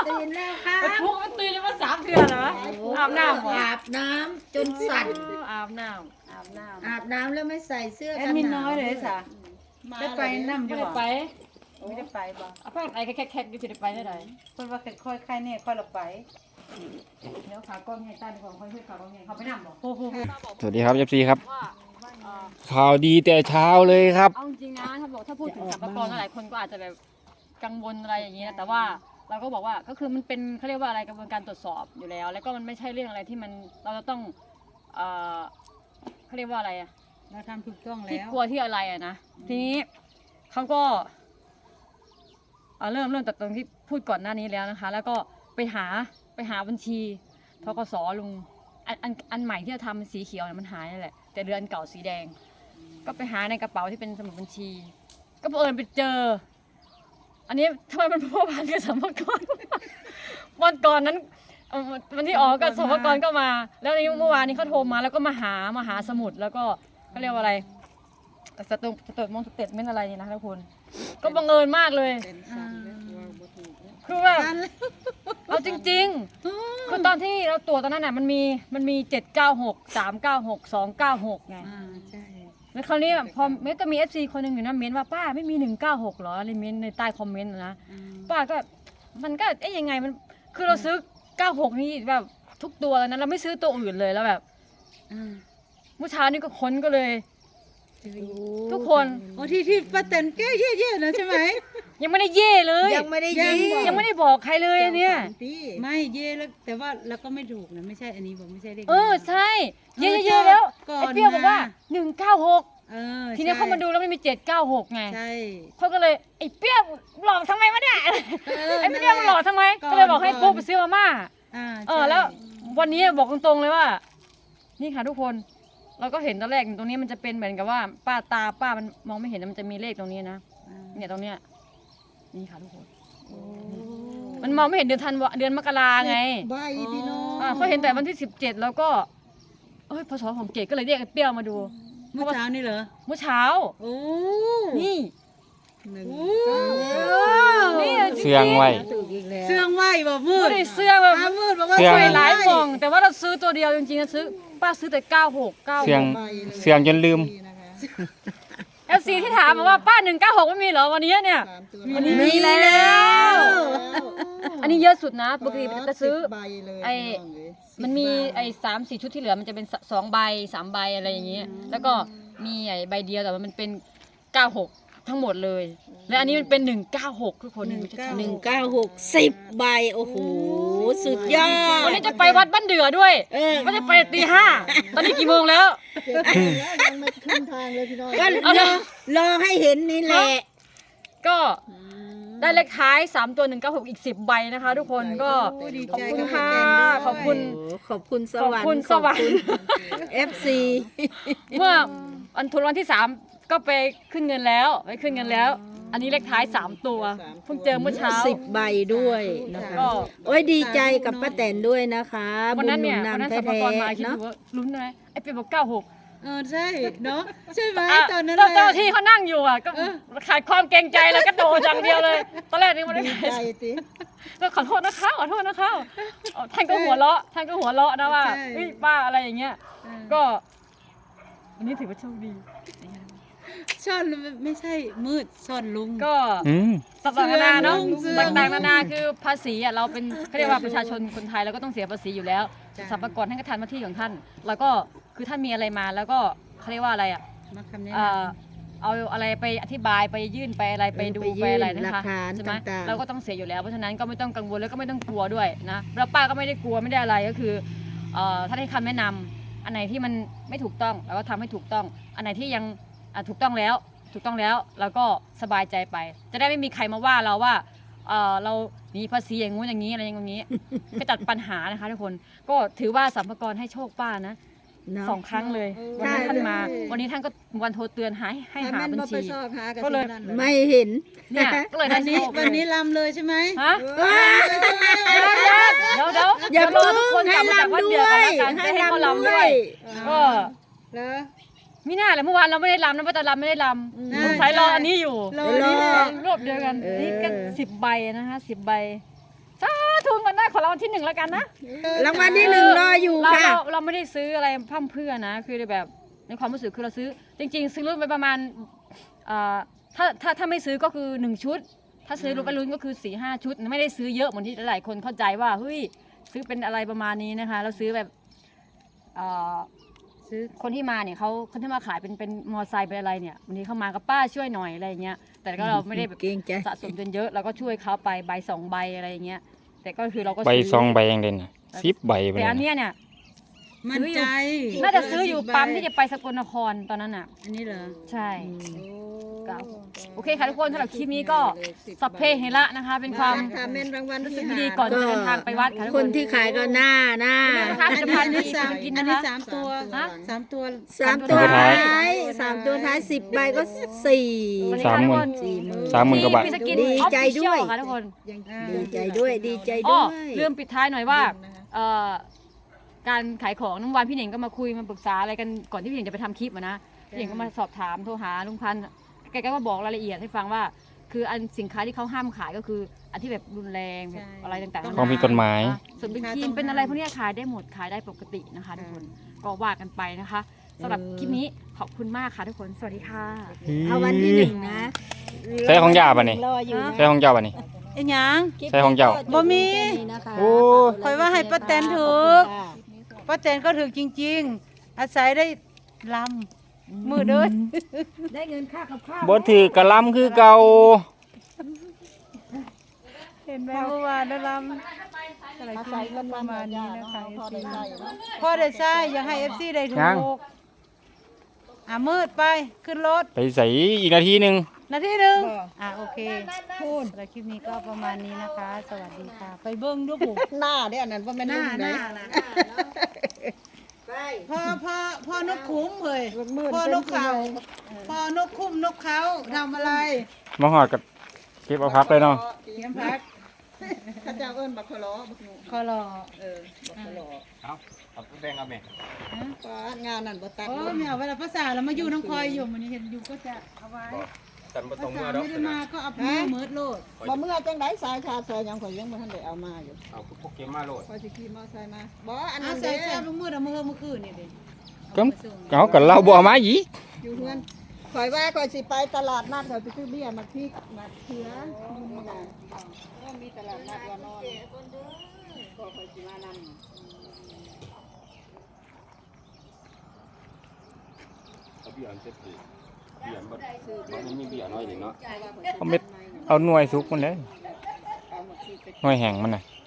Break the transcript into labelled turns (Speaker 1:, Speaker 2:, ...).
Speaker 1: ตื่นแล้วครับ
Speaker 2: พวกมันตื่นมา3 เดือนเหรออาบน้ำ
Speaker 1: อาบน้ำจนสั่น
Speaker 2: อาบน้ำอาบน้ำ
Speaker 1: อาบน้ำแล้วไม่ใส่เสื้อ
Speaker 3: แอ
Speaker 1: กั
Speaker 3: ด
Speaker 1: น
Speaker 3: มิน
Speaker 1: หนา
Speaker 3: น้
Speaker 1: ว
Speaker 3: อยเลยจ้ะได้ไปนั่งอ
Speaker 2: ไม่
Speaker 3: ยู่
Speaker 2: ได้
Speaker 3: บ่
Speaker 2: ไป
Speaker 3: ไม่ได้ไปบ่
Speaker 2: เอาผ้าไอ้แคกๆอยู่ที่ได้ไปได้ไหน
Speaker 3: คนว่าค่อยๆค่ายแน่ค่อยละไป
Speaker 2: เดี๋ยวขากล้องให้ใต้ของค่อยช่วยขากล้องให้เขาไปนั่งบอก
Speaker 3: โอ้โห
Speaker 4: สวัสดีครับ FC ครับ
Speaker 2: ว่า
Speaker 4: ข่าวดีแต่เช้าเลยครับ
Speaker 2: เอาจริงๆนะถ้าพูดถึงสรรพากรหลายคนก็อาจจะแบบกังวลอะไรอย่างนี้นะแต่ว่าเราก็บอกว่าก็คือมันเป็นเขาเรียกว่าอะไรกระบวนการตรวจสอบอยู่แล้ว แล้วก็มันไม่ใช่เรื่องอะไรที่มันเราจะต้องเขาเรียกว่าอะไรอะ
Speaker 3: เราทำถูกต้อง
Speaker 2: ที่
Speaker 3: แล้ว
Speaker 2: กลัวที่อะไรอะนะทีนี้เขาก็เริ่มจากตรงที่พูดก่อนหน้านี้แล้วนะคะ แล้วก็ไปหาบัญชีธกสลุงอันใหม่ที่จะทำเป็นสีเขียวเนี่ยมันหายนั่นแหละแต่เดือนเก่าสีแดง ก็ไปหาในกระเป๋าที่เป็นสมุดบัญชี ก็บังเอิญไปเจอ อันนี้ทำไมมันพัวพันกับสรรพากร วันก่อนนั้นวันที่ออกกับสรรพากรก็มา แล้วนี้เมื่อวานนี้เขาโทรมาแล้วก็มาหาสมุดแล้วก็เขาเรียกว่าอะไรสเตทเมนต์อะไรเนี่ยนะทุกคนก็บังเอิญมากเลยคือแบบเอาจริงๆคือตอนที่เราตรวจตอนนั้นน่ะมันมี796 396 296ไง
Speaker 3: ใช่
Speaker 2: แล้วคราวนี้พอเมก็มี FC คนหนึงอยู่นะเม้นว่าป้าไม่มี196หรออะไรเม้นในใต้คอมเมนต์นะป้าก็มันก็ยังไงมันคือเราซื้อ96นี่แบบทุกตัวแล้วนะเราไม่ซื้อตัวอื่นเลยแล้วแบบเมื่อเช้านี่ก็ค้นก็เลย ทุกคน
Speaker 3: โอ้ที่ป้าแตนแก้เย่ๆนะใช่ไหม
Speaker 2: ยังไม่ได้เย่เลย
Speaker 1: ยังไม่ได้ยิง
Speaker 2: ยังไม่ได้บอกใครเลยอันเนี่ย
Speaker 3: ไม่เย่แล้วแต่ว่าเราก็ไม่ถูกนะไม่ใช่อันนี้บอกไม่ใช่เลข
Speaker 2: ใช่เย่ๆแล้ว
Speaker 3: ก่อน
Speaker 2: ไอ้เปรี้ยวบอกว่า
Speaker 3: นะ
Speaker 2: 196ทีนี้เขามาดูแล้วมันมี796ไง
Speaker 3: ใช่
Speaker 2: เขาก็เลยไอ้เปรี้ยวหลอกทำไมวะเนี่ย ไอ้เปรี้ยว
Speaker 3: นั่
Speaker 2: มัน
Speaker 3: นแหละ
Speaker 2: หลอกทำไม
Speaker 3: ก่อน
Speaker 2: ก็เลยบอกให้ปุ๊บไปซื้อมาม่า
Speaker 3: ใช่
Speaker 2: แล้ววันนี้บอกตรงๆเลยว่า นี่ค่ะทุกคนเราก็เห็นตอนแรกตรงนี้มันจะเป็นเหมือนกับว่าป้ามันมองไม่เห็นมันจะมีเลขตรงนี้นะเนี่ยตรงเนี้ยนี่ค่ะทุกคนมันมองไม่เห็นเดือนมกราไง
Speaker 1: ใบพี่น้อง
Speaker 2: เขาเห็นแต่วันที่17แล้วก็พศของเกดก็เลยเรียกไอ้เปรี้ยวมาดู
Speaker 3: เมื่อเช้านี่เหรอ
Speaker 2: เมื่อเช้า
Speaker 3: โอ้
Speaker 2: นี่
Speaker 3: หนึ่ง
Speaker 2: นี่จริงๆ
Speaker 4: เสื่องไว้
Speaker 1: ถูกอีกแล้ว
Speaker 3: เสื่องไหวบ่มื
Speaker 2: ไม่
Speaker 3: ด
Speaker 2: ได้เสื้อแบบ
Speaker 3: มืดบอกว่า
Speaker 4: เสื่อง
Speaker 2: ใส่หลายกล่องแต่ว่าเราซื้อตัวเดียวจริงๆนะป้าซื้อแต่96
Speaker 4: เสียง
Speaker 2: 96
Speaker 4: เสียงจนลืม
Speaker 2: FC ที่ถามมาว่าป้า196ไม่มีเหรอวันนี้เนี่ยวันนี้มีแล้ว อันนี้เยอะสุดนะปกติจะซื้อ
Speaker 1: ใบเลย
Speaker 2: ไอ้ มันมีไอ้3-4 ชุดที่เหลือมันจะเป็น2 ใบ 3 ใบอะไรอย่างเงี้ยแล้วก็มีไอ้ใบเดียวแต่ว่ามันเป็น96ทั้งหมดเลยและอันนี้มันเป็น196ทุกคนดูชัดๆ
Speaker 1: 196 10 ใบโอ้โหสุดยอด
Speaker 2: วันนี้จะไปวัดบ้านเดือด้วยก็จะไปตี5ตอนนี้กี่โมงแล้ว
Speaker 1: ยังไม่ขึ้นทางเลยพี่น้อง
Speaker 2: เอา
Speaker 1: ก็
Speaker 2: เดี๋ยว
Speaker 1: รอให้เห็นนี่แหละ
Speaker 2: ก็ได้เลขท้าย3ตัว196อีก10 ใบนะคะ ทุกคนก็
Speaker 3: โอ้ดี
Speaker 2: ขอบ
Speaker 3: ใจ
Speaker 2: คุณ
Speaker 3: กับ
Speaker 2: ค่ะ
Speaker 3: ป้าแตนด้วย
Speaker 2: ขอบคุณ
Speaker 1: ขอบคุณสวรรค์
Speaker 2: ขอบคุณสวรรค์
Speaker 1: ขอบคุณ FC
Speaker 2: เมื่อวันที่3ก็ไปขึ้นเงินแล้วอันนี้เลขท้าย3ตัวเพิ่งเจอเมื่อเช้า
Speaker 1: 10 ใบด้วยนะคะ
Speaker 2: ก็
Speaker 1: โอ้ยดีใจกับป้าแตนด้วยนะคะ
Speaker 2: วันนั้นเนี่ย
Speaker 1: บุญห
Speaker 2: วัน
Speaker 1: นำ
Speaker 2: นั้นสรรพากรมาคิด
Speaker 1: เนาะ
Speaker 2: ดูว่าลุ้นไหมไอ้เปียบอก96
Speaker 3: ใช่เนาะใช่ไหมตอนนั้น
Speaker 2: เจ้าที่เขานั่งอยู่อ่ะก็ขาดความเกรงใจแล้วก็โดดอย่างเดียวเลยตอนแรกนี่ไม่ได้ขายก็ขอโทษนะคะท่านก็หัวเราะนะว่าเฮ้ยป้าอะไรอย่างเงี้ยก็วันนี้ถือว่าโชคดี
Speaker 3: ซ่อนไม่ใช่มืดซ่อนลุง
Speaker 2: ก็
Speaker 4: อืม
Speaker 2: ต่างๆนานาเนาะ
Speaker 3: เสื่อม
Speaker 2: ต่างๆนานาคือภาษีอ่ะเราเป็นเขาเรียกว่าประชาชนคนไทยเราก็ต้องเสียภาษีอยู่แล้วสรรพากรท่านก็ทำหน้าที่ของท่านแล้วก็คือท่านมีอะไรมาแล้วก็เขาเรียกว่าอะไรอ่ะ
Speaker 3: มาคำนี้
Speaker 2: เอาอะไรไปอธิบายไปยื่นไปอะไรไปดูไปอะไรนะคะ
Speaker 1: หลักฐาน
Speaker 2: ใช่ไหม
Speaker 1: ต่างๆ
Speaker 2: เราก็ต้องเสียอยู่แล้วเพราะฉะนั้นก็ไม่ต้องกังวลแล้วก็ไม่ต้องกลัวด้วยนะแล้วป้าก็ไม่ได้กลัวไม่ได้อะไรก็คือถ้าให้คำแนะนำอันไหนที่มันไม่ถูกต้องเราก็ทำให้ถูกต้องอันไหนที่ยังถูกต้องแล้วแล้วก็สบายใจไป จะได้ไม่มีใครมาว่าเราว่าเราหนีภาษีอย่างงู้นอย่างนี้อะไรอย่างนี้ ไปตัดปัญหานะคะทุกคนก็ถือว่าสรรพากรให้โชคป้านะ
Speaker 1: เนาะ
Speaker 2: 2 ครั้งเลยวันนั้นท่านมาวันนี้ท่านก็วันโทรเตือนให้หาบัญชีก็เลย
Speaker 1: ไม่เห็น
Speaker 2: เนี่ยก็เลยได้
Speaker 3: วันนี้
Speaker 2: โชค
Speaker 3: วันนี้ลำเลยใช่ไหม
Speaker 2: ฮะ เดี๋ยว
Speaker 1: อย่า
Speaker 2: เดี๋ยวรอทุกคนกลับมาจากวัดเดือดกันแล้วกัน
Speaker 1: ให้
Speaker 2: ให้เขา
Speaker 1: ลำ
Speaker 2: ลำ
Speaker 1: ด้
Speaker 2: ด้
Speaker 1: ว
Speaker 2: วย ยก็
Speaker 3: แล้ว
Speaker 2: มิน่าเลยเมื่อวานเราไม่ได้ลำนะป้าตาลำไม่ได้ลำสงสัยรออันนี้อยู่
Speaker 3: รอนี่แหละ
Speaker 2: รวบเดียวกันนี่ก็10 ใบนะคะ10 ใบสาทุนกันได้ขอรางวัลที่ 1แล้วกันนะ
Speaker 1: รางวัลที่หนึ่งรออยู่
Speaker 2: เรา
Speaker 1: ค่ะ
Speaker 2: เราไม่ได้ซื้ออะไรพร่ำเพรื่อนะคือแบบในความรู้สึกคือเราซื้อจริงๆซื้อรุ่นไปประมาณถ้าไม่ซื้อก็คือ1ชุดถ้าซื้อรุ่นไปรุ่นก็คือ4-5 ชุดไม่ได้ซื้อเยอะเหมือนที่หลายคนเข้าใจว่าเฮ้ยซื้อเป็นอะไรประมาณนี้นะคะเราซื้อแบบซื้อคนที่มาเนี่ยเขาคนที่มาขายเป็นมอไซค์เป็นอะไรเนี่ยวันนี้เขามากับป้าช่วยหน่อยอะไรเงี้ยแต่ก็เราไม่ได้แบบ
Speaker 1: เกรงใจ
Speaker 2: สะสมจนเยอะเราก็ช่วยเขาไปใบ2 ใบอะไรอย่างเงี้ยแต่ก็คือเราก็
Speaker 4: ใบ
Speaker 2: ซื้
Speaker 4: ซองใบยังเด่น10 ใบไป
Speaker 2: แต่
Speaker 4: เลย
Speaker 2: อันเนี้ยเนี่ย
Speaker 3: มั่นใจ
Speaker 2: น่าจะซื้ออยู่ปั๊มที่จะไปสกลนครตอนนั้นอ่ะ
Speaker 3: อันนี้เหรอ
Speaker 2: ใช่โอเคค่ะทุกคนสำหรับคลิปนี้ก็สัพเพเหระนะคะ เป็นความ
Speaker 5: ถ้าแม่นรางวัล
Speaker 2: รู้
Speaker 5: ที่
Speaker 2: สึก
Speaker 5: หา
Speaker 2: ดีก่อนจะเดินทางไปวัดค่ะทุก
Speaker 1: ค
Speaker 2: คน น
Speaker 1: ที่ขายก็หน้า
Speaker 2: นะคะ
Speaker 3: อัน
Speaker 2: จะ
Speaker 3: นี้
Speaker 2: พา
Speaker 3: อันนี้
Speaker 2: ที่
Speaker 3: สาม
Speaker 2: กิน
Speaker 3: อัน
Speaker 2: นะ
Speaker 3: นี้
Speaker 2: คะ
Speaker 3: 3 ตัว
Speaker 2: ฮะ
Speaker 3: 3 ตัว
Speaker 1: 3 ตัวท้าย3 ตัวท้าย10 ใบก็4
Speaker 2: สวัสดีค่ะทุกคน
Speaker 4: 30,000 กว่าบาท
Speaker 2: พี่สกิน
Speaker 1: ดีใจด้วย
Speaker 2: Official ค่ะทุกคน
Speaker 1: ดีใจด้วยดีใจ
Speaker 2: อ๋
Speaker 1: ด้
Speaker 2: อ
Speaker 1: วย
Speaker 2: ลืมปิดท้ายหน่อยว่าการขายของน้ำวันพี่เหน่งก็มาคุยมาปรึกษาอะไรกันก่อนที่พี่เหน่งจะไปทำคลิปนะพี่เหน่งก็มาสอบถามโทรหาลุงพันธ์แกก็มาบอกรายละเอียดให้ฟังว่าคืออันสินค้าที่เขาห้ามขายก็คืออันที่แบบรุนแรงแบบอะไรต่างๆ
Speaker 4: ของผิดกฎหมาย
Speaker 2: ส่วนเป็นครีมเป็นอะไรพวกเนี้ยขายได้หมดขายได้ปกตินะคะทุกคนก็ว่ากันไปนะคะสำหรับคลิปนี้ขอบคุณมากค่ะทุกคนสวัสดีค่ะ
Speaker 1: เอาวันที่1นะ
Speaker 4: ใช้ของยาป่ะนี่
Speaker 1: รออยู่นะ
Speaker 4: ใช่ของเจ้าป่ะนี่
Speaker 3: ไอ้หยัง
Speaker 4: ใช่ของเจ้า
Speaker 3: บ่มี
Speaker 4: โอ้
Speaker 3: ข่อยว่าให้ป้าแตนถูก ป้าแตนก็ถือจริงๆ อาศัยได้ลำมือเด้อ
Speaker 1: ได้เงินค่ากับข้าว
Speaker 4: บ่ถือกระลำคือเก่า
Speaker 3: เห็นไหมเมื่อวานได้ลำอะไรขึ้นก็ประมาณนี้นะคะ
Speaker 5: พอได้ใส่เนาะ
Speaker 3: พ่อได้ใช่อยากให้ FC ได้ถูกมืดไปขึ้นรถ
Speaker 4: ไปใส่อีกนาทีหนึง
Speaker 3: นาทีหนึ่งโอเคพูดแล้วคลิปนี้ก็ประมาณนี้นะคะ สวัสดีค่ะ ไปเบิ้งดูบุ
Speaker 5: หน้าเด้ออันนั้นบ่แม่น
Speaker 3: หน้า
Speaker 5: ลุง
Speaker 3: ห
Speaker 5: เด้
Speaker 3: น้านะพ่อนกคุ้มเลยพ่อนกเขาพ่อนกคุ้มนกเขาทำอะไร
Speaker 4: มาหอดกับเก็บเอาพักเลยเนาะ
Speaker 3: เตรียมพัก
Speaker 5: ข้าเจ้าเอิ้นบักขะล้อบักหนู
Speaker 3: คอรอ
Speaker 5: บักขะล้อ
Speaker 4: เอาแดงเอาแม่
Speaker 5: ก็งานนั้นบ่ตัด
Speaker 3: โอ้ไม่เอาเวลาภาษาเรามาอยู่น้องคอยอยู่มันเห็นอยู่ก็จะเอาไว้
Speaker 4: กันบ่
Speaker 3: ภา
Speaker 4: ต้อง
Speaker 3: ษา
Speaker 4: เมื่อดอก
Speaker 3: ไม่ได้มาก็เอามือมืดโลด
Speaker 5: บ่เมื่อจังได๋สายชาซอยยังข่อยยังบ่ทันได้เอามาอยู่
Speaker 4: เอาพวกเกมมาโลด
Speaker 5: ข่อยสิขี่มอไซค์มาบ่อัน
Speaker 3: เอา
Speaker 5: นั้น
Speaker 3: ใส่
Speaker 5: เด้
Speaker 3: ใส่มือมืดเอามือคืนนี่ดิ
Speaker 4: ก็เอากับเราบ่เอามาอีก
Speaker 5: อยู่เฮือนข่อยว่าข่อยสิไปตลาดนัดข่อยไปซื้อเบี้ยมาพริกมาเขืออยู่นี่น่ะมีตลาดนัดว่านอนก็ข่อยสิมานำ
Speaker 4: เบียร์เจ็ดปีเบียร์มันมีเบียร์น้อยเนาะเอาเม็ดเอาหน่วยสุกมันเลยหน่วยแห้งมันน่ะ